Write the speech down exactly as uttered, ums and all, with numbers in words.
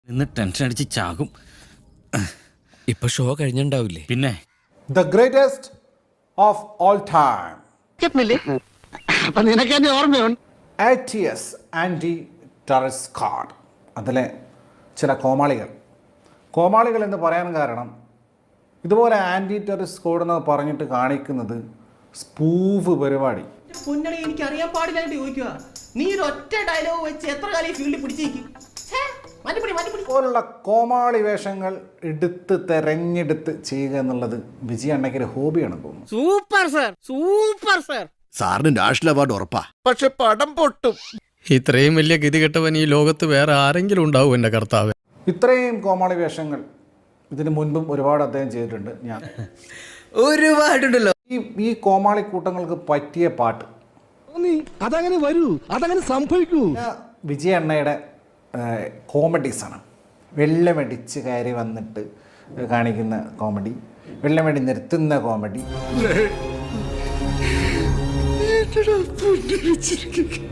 ഇന്ന് ടെൻഷൻ അടിച്ച് ചാകും. ഇപ്പൊ ഷോ കഴിഞ്ഞിണ്ടാവില്ലേ? പിന്നെ The greatest of all time. A T S anti terrorist squad. അതിലെ ചില കോമാളികൾ കോമാളികൾ എന്ന് പറയാൻ കാരണം ഇതുപോലെ ആൻറ്റി ടെററിസ്റ്റ് സ്ക്വാഡ് എന്ന് പറഞ്ഞിട്ട് കാണിക്കുന്നത് സ്പൂഫ് പരിപാടി. പൊന്നണി എനിക്ക് അറിയാൻ പാടില്ലാണ്ട് ചോദിക്കുക. നീ ഒരു ഒറ്റ ഡയലോഗ് വെച്ച് എത്ര കാലം ഫീൽഡിൽ പിടിച്ചേക്കും പോലുള്ള കോമാളി വേഷങ്ങൾ എടുത്ത് തെരഞ്ഞെടുത്ത് ചെയ്യുക എന്നുള്ളത് വിജയ അണ്ണയ്ക്ക് ഒരു ഹോബിയാണ് തോന്നുന്നു. Super sir, super sir. സാറിന് നാഷണൽ അവാർഡ് ഉറപ്പാ. പക്ഷെ പടം പൊട്ടും. ഇത്രയും വലിയ ഗതികെട്ടവൻ ഈ ലോകത്ത് വേറെ ആരെങ്കിലും ഉണ്ടാവും എന്റെ കർത്താവ്. ഇത്രയും കോമാളി വേഷങ്ങൾ ഇതിനു മുൻപും ഒരുപാട് അദ്ദേഹം ചെയ്തിട്ടുണ്ട്. ഞാൻ ഒരുപാടുണ്ടല്ലോ. ഈ ഈ കോമാളി കൂട്ടങ്ങൾക്ക് പറ്റിയ പാട്ട് അതങ്ങനെ വരൂ, അതങ്ങനെ സംഭവിക്കൂ. വിജയ അണ്ണയുടെ കോമഡീസാണ്. വെള്ളമടിച്ച് കയറി വന്നിട്ട് കാണിക്കുന്ന കോമഡി, വെള്ളമടി നിർത്തുന്ന കോമഡി.